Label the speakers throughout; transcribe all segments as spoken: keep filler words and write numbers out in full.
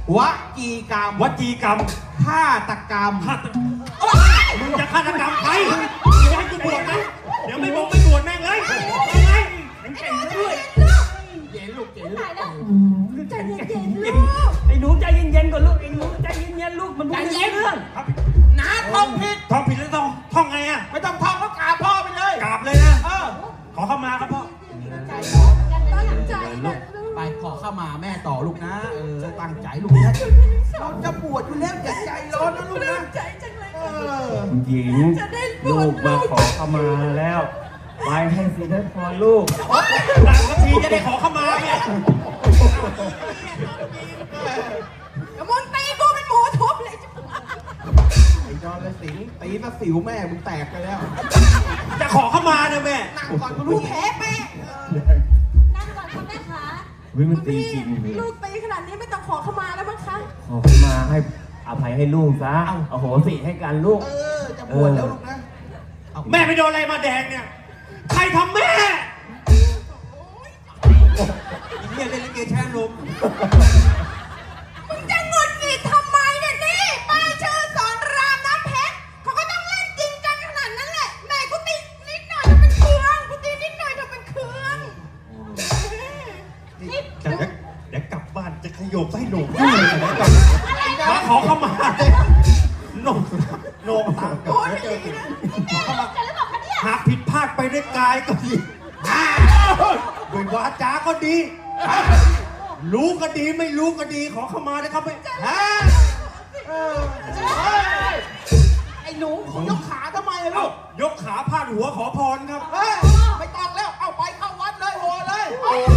Speaker 1: วจีกรรม
Speaker 2: วจีกรรม
Speaker 1: ฆาตกรรม
Speaker 2: ฆาตมึงจะฆาตกรรมใครจะให้กูบวชนะเดี๋ยวไม่บอกไม่บวชแม่งเลยทำไงมันเก่งด้วย
Speaker 1: เย็นลูกเย็นลูก
Speaker 3: ใจเย็นๆลูกไอ้หนูใจเย็นๆก่อนลูกไอ้หนูใจเย็นๆลูกมันพูดเรื่อง
Speaker 1: น้าท่องผิด
Speaker 2: ท่องผิดแล้วต้องท่องไงอ่ะ
Speaker 1: ไม่ต้องท่องก็กราบพ่อไปเลย
Speaker 2: กราบเลยนะ
Speaker 1: เออ
Speaker 2: ขอเข้ามาครับพ่อ
Speaker 3: ตั้งใจลูก
Speaker 1: ไปขอเข้ามาแม่ต่อลูกนะเออตั้งใจลูกนะเราจะบวชอยู่แล้วอย่าใจร้อนนะลูกนะ
Speaker 3: ใจจังเลย
Speaker 4: หญิงลูกมาขอเข้ามาแล้วไปให้สิได้พอลูก
Speaker 2: ต่างสักทีจะได้ขอเข้ามาเนี่ย
Speaker 3: มึงตีกูเป็นหมูทุบเลย
Speaker 1: ไอ้จอนเลยสิงตีซะสิวแม่มึงแตกไปแล้ว
Speaker 2: จะขอเข้ามาเนี่ยแม่
Speaker 1: นั่งก่อนกูรู้แพ้แม่
Speaker 3: นั่งก่อนค่ะแม่ขา
Speaker 4: วิมันตีจริง
Speaker 3: ลูกตีขนาดนี้ไม่ต้องขอเข้ามาแล้วมั้งคะ
Speaker 4: ขอเข้ามาให้อภัยให้ลูกซะโอ้โหสิให้กันลูก
Speaker 1: เออจะบวชแล้วลูกนะ
Speaker 2: แม่ไปโดนอะไรมาแดงเนี่ยใครทำแม่
Speaker 1: อีเนี่ยเล่นลิเกแช่ลม
Speaker 3: มึงจะงดหงิดทำไมเนี่ยนี่ป้ายชื่อสอนรามน้ำเพชรเขาก็ต้องเล่นจริงจังขนาดนั้นแหละแม่กูตีนิดหน่อยจะเป็นเครื่องกูตีนิดหน่อยจะเป็นเครื่อง
Speaker 2: นี่เดี๋ยวเดี๋ยวกลับบ้านจะขยโยกให้โหนกมาขอเข้ามาโหนกโหนกตาโอ้ยเจอหากผิดพลาดไปด้วยกายก็ดีด้วยวาจาก็ดีรู้ก็ดีไม่รู้ก็ดีขอเข้ามานะครับไม่
Speaker 1: ไอ้หนูยกขาทำไมลูก
Speaker 2: ยกขาพาดหัวขอพรครับ
Speaker 1: ไม่ต้องแล้วเอาไปเข้าวัดเลยโหเลย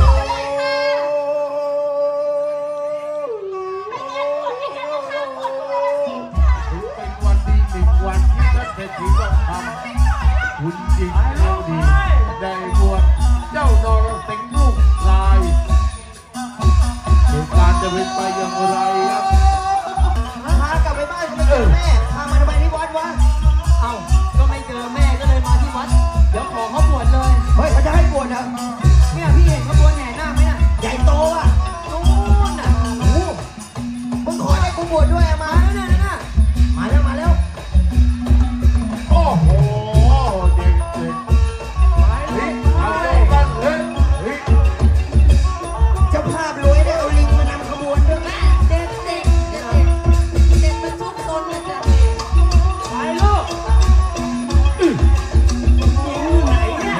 Speaker 5: เป็นวันดีหนึ่งวันที่ท่านเศรษฐีทองคำคุณจริงเราดีได้บวชเจ้านรสิงห์ลูกชายเหตุการณ์จะเป็นไปอย่างไรครับ
Speaker 1: พากลับไปบ้านก็ไม่เจอแม่พามาทำไมที่วัดวะเอ้าก็ไม่เจอแม่ก็เลยมาที่วัดเดี๋ยวขอเขาบวชเลยเฮ้ยเขาจะให้บวชนะเนี่ยพี่เห็นขบวนแห่นาคไหมน่ะใหญ่โตอ่ะนู้นน่ะโอ้มึงขอให้กูบวชด้วยมาแล้วเนี่ยนะมาแล้วมาแล้ว
Speaker 5: โอ้โหเด็กเด็กเฮ้ยเอากันเฮ้ยเฮ้ย
Speaker 1: เจ้าภาพรวยได้เอาลิงมานำขบวนด้วย
Speaker 3: เด็กเด็กเด็กเด็กเป็นทุกคนเลยจ้ะ
Speaker 4: ไปลูกหญิงอยู่ไหนเนี่ย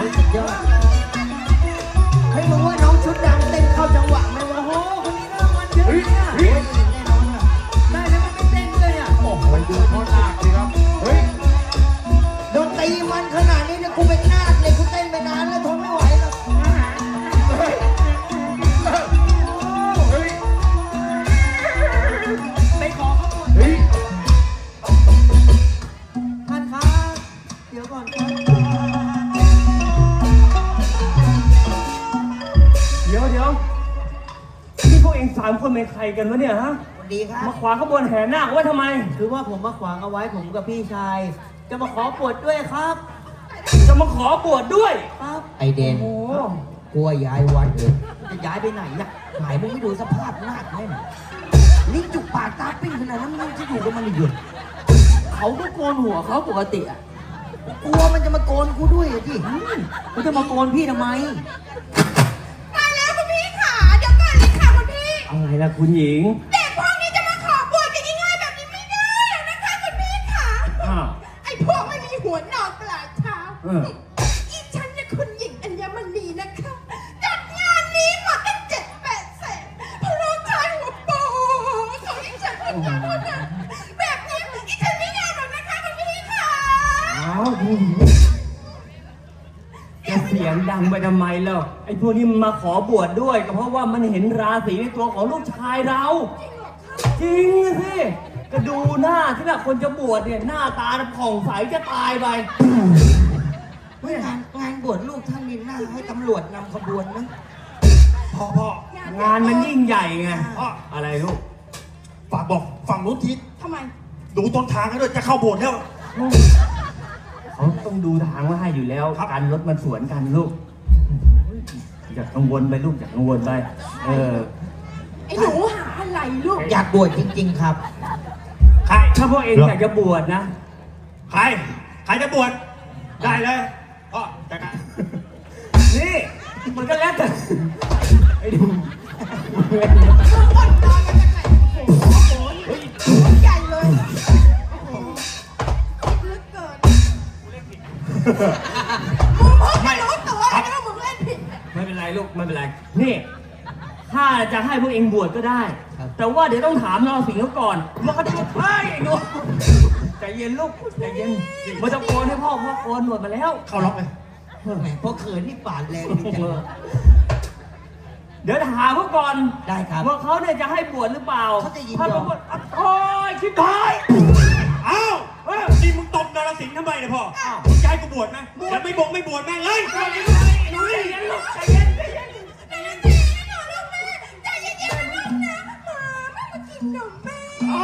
Speaker 1: ให้มึงว่าน้องชุดดำเต้นเข้าจังหวะไหมวะโอ้คนนี้น่ามันเยอะเนี่ยแน่นอนอ่ะได้แล้วมันไม่เต้นเลยอ่ะ
Speaker 5: โอ้โหไปดูพ่อนาคสิครับเฮ้ย
Speaker 1: โดนตีมันขนาดนี้เนี่ยกูเป็นนาคเลยกูเต้นไปนานแล้วทนไม่ไหวแล้ว
Speaker 5: เฮ้ยเฮ้ย
Speaker 1: ไปขอเขาบวช
Speaker 5: เฮ้ย
Speaker 1: ท่านครับเดี๋ยวก่อนครับ
Speaker 4: เดี๋ยวเดี๋ยวนี่พวกเองสามคนเป็นใครกันวะเนี่ยฮะ
Speaker 1: สวัสดีครับ
Speaker 4: มาขวางขบวนแห่นาคไว้ทำไม
Speaker 1: คือว่าผมมาขวางเอาไว้ผมกับพี่ชายจะมาขอบวชด้วยครับ
Speaker 4: จะมาขอบวชด้วย
Speaker 1: ครับไอเดน
Speaker 4: โอ้
Speaker 1: กลัวย้ายวัดเลยจะย้ายไปไหนน่ะหมายมึงไม่ดูสภาพนาคแน่นลิ้นจุกปากตาปิ้งขนาดนั้นมึงจะอยู่กับมันอีกเหรอเขาก็โกนหัวเขาปกติอ่ะกลัวมันจะมาโกนกูด้วยอ่ะพี่มันจะมาโกนพี่ทำไม
Speaker 3: ตายแล้วคุณพี่ขาเดี๋ยวก่อนเลยค่ะคุณพี่
Speaker 4: อะไรล่ะคุณหญิง
Speaker 3: เด็กพวกนี้จะมาขอบวชกันง่ายๆแบบนี้ไม่ได้หรอกนะคะคุณพี่ขาไอ้พวกไม่มีหัวนอนปลายเท้าอีฉันเนี่ยคุณหญิงอัญมณีนะคะจัดงานนี้หมดตั้งเจ็ดแปดแสนเพราะลูกชายหัวโปของอีฉันคนเดียวเท่านั้นแบบนี้อีฉันไม่ยอมหรอกนะคะคุณพี่ขา
Speaker 4: อ้าวคุณหญิงจะเสียงดังไปทำไมล่ะไอ้พวกนี้มันมาขอบวชด้วยก็เพราะว่ามันเห็นราศีในตัวของลูกชายเราจริงสิก็ดูหน้าที่น่ะคนจะบวชเนี่ยหน้าตาผ่องใสจะตายไป
Speaker 1: งานงานบวชลูกท่านนี่น่าให้ตำรวจนำขบวนนะ
Speaker 2: พ่อพ่อง
Speaker 4: านมันยิ่งใหญ่ไงพ่ออะไรลูก
Speaker 2: ฝากบอกฝั่งนู้นที
Speaker 3: ทำไม
Speaker 2: ดูต้นทางให้ด้วยจะเข้าโบสถ์แล้ว
Speaker 4: เขาต้องดูทางว่าให้อยู่แล้วการรถมันสวนกันลูกอย่ากังวลไปลูกอย่ากังวลไปเออ
Speaker 3: ไอ้หนูหาอะไรลูก
Speaker 1: อยากบวชจริง ๆ ครับ
Speaker 2: ใคร
Speaker 4: ถ้าพวกเองอยากจะบวชนะ
Speaker 2: ใคร ใครจะบวช ได้เลยก็จัดการ
Speaker 4: นี่ มันก็แล้วแต่ไอ้ดู
Speaker 3: มึงอดนอนมาจากไหนโอ้โหโอ้โหใหญ่เลยโอ้โหคิดลึกเกินมึงเพิ่งจะรู้ตัวแล้วว่ามึงเล่นผิด
Speaker 4: ไม่เป็นไรลูกไม่เป็นไร นี่ ถ้าจะให้พวกเองบวชก็ได้
Speaker 1: ครับ
Speaker 4: แต่ว่าเดี๋ยวต้องถามนรสิงห์เขาก่อนว่าเขาจะบวชให้ไอ้หนูใจเย็นลูกใจเย็นมันจะโกนให้พ่อพ่อโกนหนวดมาแล้ว
Speaker 2: เข้าล็อกเลย
Speaker 1: แหมพอเขินนี่ปาดแรงดีจังเลย
Speaker 4: เดี๋ยวถามเขาก่อน
Speaker 1: ได้ครับ
Speaker 4: ว่าเขาเนี่ยจะให้บวชหรือเปล่า
Speaker 1: เขาจะยินยอม
Speaker 4: ถ้าเขาบวชโอ้ยชิบหาย
Speaker 2: เอ้าเออนี่มึงตบนรสิงห์ทำไมเนี่ยพ่อมึงจะให้กูบวชไหมเดี๋ยวไม่บวชไม่บวชแม่งเลย
Speaker 4: หนูใจเย็นลูกใจเย็นใจเย็น
Speaker 3: ใจเย็นๆนะลูกแม่ใจเย็นๆนะลูกนะหมาไม่มากินนมแม่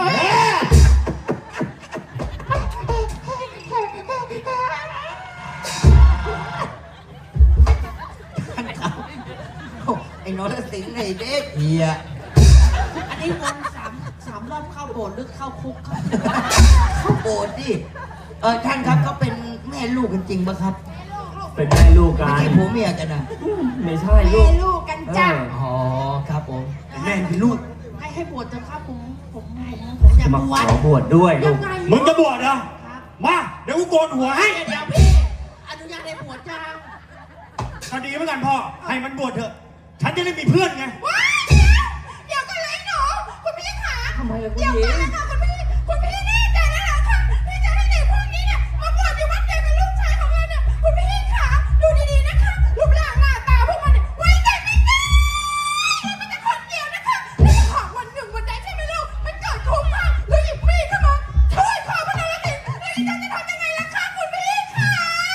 Speaker 1: โอ้ไอ้นรสิงห์ไอ้เด็กเฮีย
Speaker 3: อันนี้วนสามสามรอบเข้าโบสถ์หรือเข้าคุกครับ
Speaker 1: เขาโกรธดิเออท่านครับเขาเป็นแม่ลูกกันจริงปะครับ
Speaker 4: เป็นแม่ลูกกั
Speaker 1: ไม่
Speaker 4: น
Speaker 1: ใช่ผัวเมียกันนะ
Speaker 4: ไม่ใช่ลู
Speaker 3: แม่
Speaker 4: ก
Speaker 3: ลูกกันจ้ะ
Speaker 4: เออ
Speaker 1: อ๋อครับผม
Speaker 2: แม่งเป็นลูก
Speaker 3: ให้ให้บวชเถอะครับผมผมผมผมอยาก
Speaker 4: จะมา
Speaker 3: บ
Speaker 4: ข
Speaker 3: วช
Speaker 4: อบวชด้วยลู
Speaker 3: ยัง
Speaker 4: ก
Speaker 3: ไง
Speaker 2: มึงจะบวชเหรอ
Speaker 3: ครับ
Speaker 2: มา เดี๋ยวกูโกนหัวให้
Speaker 3: เดี๋ยวพี่อนุญาตให้บวชจ้า
Speaker 2: ก็ดีเหมือนกันพ่อ ให้มันบวชเถอะ ฉันจะได้มีเพื่อนไง
Speaker 3: ว้ายเดี๋ยวกันเลยหนูคุณพี่ขา
Speaker 4: ทำไมล่ะคุณ
Speaker 3: เดี๋ยว
Speaker 4: หญิ
Speaker 3: กัน
Speaker 4: ง
Speaker 3: เลยค่ะคุณพี่คุณพี่แน่ใจแล้วเหรอคะที่จะให้เด็กพวกนี้เนี่ยมาบวชอยู่วัดเดียวกับลูกชายของเราเนี่ยคุณพี่ขาดูดีๆนะคะรูปร่างหน้าตาพวกมันเนี่ยไว้ใจไม่ได้มันจะคนเดียวนะคะแล้วหากวันหนึ่งวันใดใช่ไหมลูกมันเกิดคุ้มค่ะแล้วหยิบมีดเข้ามาช่วยพ่อมันเลยสิแล้วอีจันจะทำยังไงล่ะคะคุณพี่ขา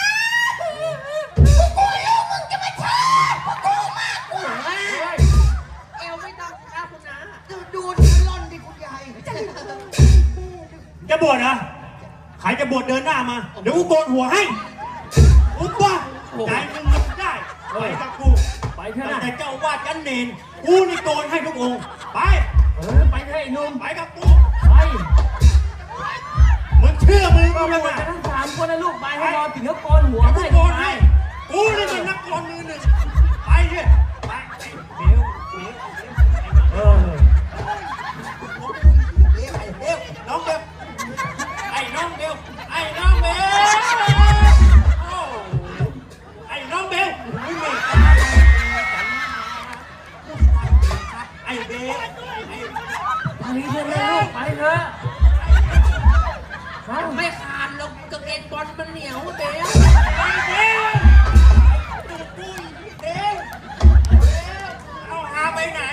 Speaker 3: กูกลัวลูกมึงจะมาชอบกูกลัวมากกว่า เอวไม่ต้องครับคุณนะ
Speaker 1: ดูดูที่ร่อนดิคุณยาย
Speaker 2: จะบวชเหรอ ใครจะบวชเดินหน้ามา เดี๋ยวกูโกนหัวให้อุ๊บวะใจมึงมึงได้ไปกับกู
Speaker 4: ไปเถอะ
Speaker 2: ตั้ง
Speaker 4: นะ
Speaker 2: แต่เจ้าอาวาดกันเนนกูนี่โกนให้ทุกองค์ ไป
Speaker 4: เออไปเถอะไอ้หนุ่ม
Speaker 2: ไปกับกู
Speaker 4: ไป
Speaker 2: มึงเชื่อมึง
Speaker 4: ก็
Speaker 2: กู
Speaker 4: บว
Speaker 2: นะ
Speaker 4: ชกันทั้งสามคนนะลูกไปให้รอถึงเขาโกนหัว
Speaker 2: เดี๋ยวกู
Speaker 4: ให้
Speaker 2: โกนให้ กูนี่มันนักกลอนมือหนึ่ง ไปเถอะไปไอ้เดี๋ยวเดี๋ยว
Speaker 4: เออ
Speaker 1: เรียกไอ้เด็ก
Speaker 2: น้องเบลไอ้น้องเบลไอ้น้องเบลโอ้ไอ้น้องเบลไม่มีไอ้เบลไอ้
Speaker 4: ไปเถอะนะลูกไปเถอะไป
Speaker 3: ไม่ขาดหรอกกางเกงบอลมันเหนียวเด้
Speaker 2: ไอ้เบลดูปุ้ยเบลเอาหาไปไหน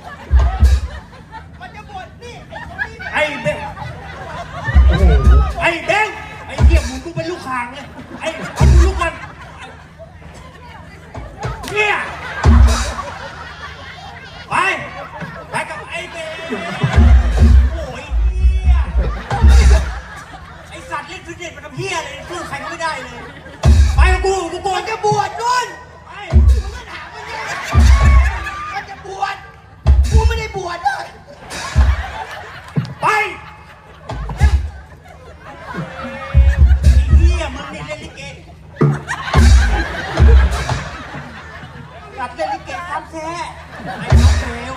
Speaker 3: มันจะบวชนี่
Speaker 2: ไอ้เบลโอ้โหไอ้เบลไอ้เหี้ยมึงกูเป็นลูกคางเลยไอ้เอากูลูกมันเนี่ยไปไปกับไอ้เบลโอ้ยเหี้ยไอ้สัตว์เล่นฟิตเนสมันทำเหี้ยเลยสู้ใครก็ไม่ได้เลยไปกับกูกูโกนจะบวชนู่นไป
Speaker 1: มันจะบวชกูไม่ได้บวชเลย
Speaker 2: ไปไอ้เหี้ยมึงนี่เล่นลิเกกลับเล่นลิเกครับแท้ไอ้น้องเบล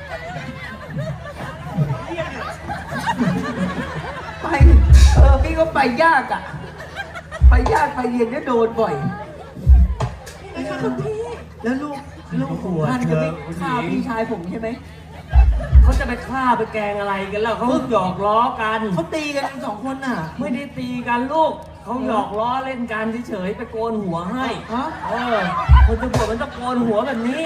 Speaker 2: เหี้ยเนี่ย
Speaker 1: ไปเออพี่ก็ไปยากอ่ะ ไปยากไปเรียนก็โดนบ่อย
Speaker 3: นะคะคุณพี่
Speaker 1: แล้วลูกลูกของท่านจะไม่ฆ่าพี่ชายผมใช่ไหม
Speaker 4: เขาจะไปฆ่าไปแกล้งอะไรกันแล้วเขาหยอกล้อกัน
Speaker 1: เขาตีกันสองคนน่ะ
Speaker 4: ไม่ได้ตีกันลูกเขาหยอกล้อเล่นกันเฉยๆไปโกนหัวให้
Speaker 1: ฮะ
Speaker 4: เออคนจะบวชมันต้องโกนหัวแบบนี้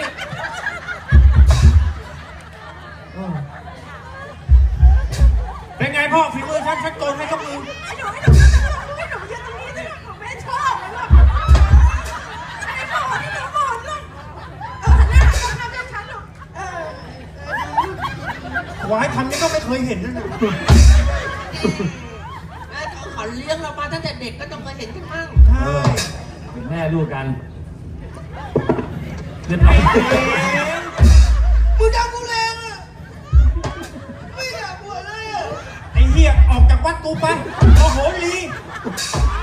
Speaker 4: เออ
Speaker 2: เป็นไงพ่อฝีมือฉันฉันโกนให้ทุกมือ
Speaker 3: ไอ้หนูไอ้หนูไอ้หนูยืนตรงนี้สิผมไม่ชอบเลยหรอกไอ้หนูไอ้หนูหมดเลยเออหน้าหน้าหน้าฉันหนูเออเออ
Speaker 2: หวายทำนี่ก็ไม่เคยเห็นนะเนี่ย
Speaker 3: เขาเลี้ยงเรามาตั้งแต่เด็กก็ต้องเคยเห็นกันมั่ง
Speaker 2: ใช่
Speaker 4: เป็นแม่ลูกกันเรียบร้อย
Speaker 1: กูดังกูแรงอ่ะ
Speaker 2: วัดกูไปโอ้โหลี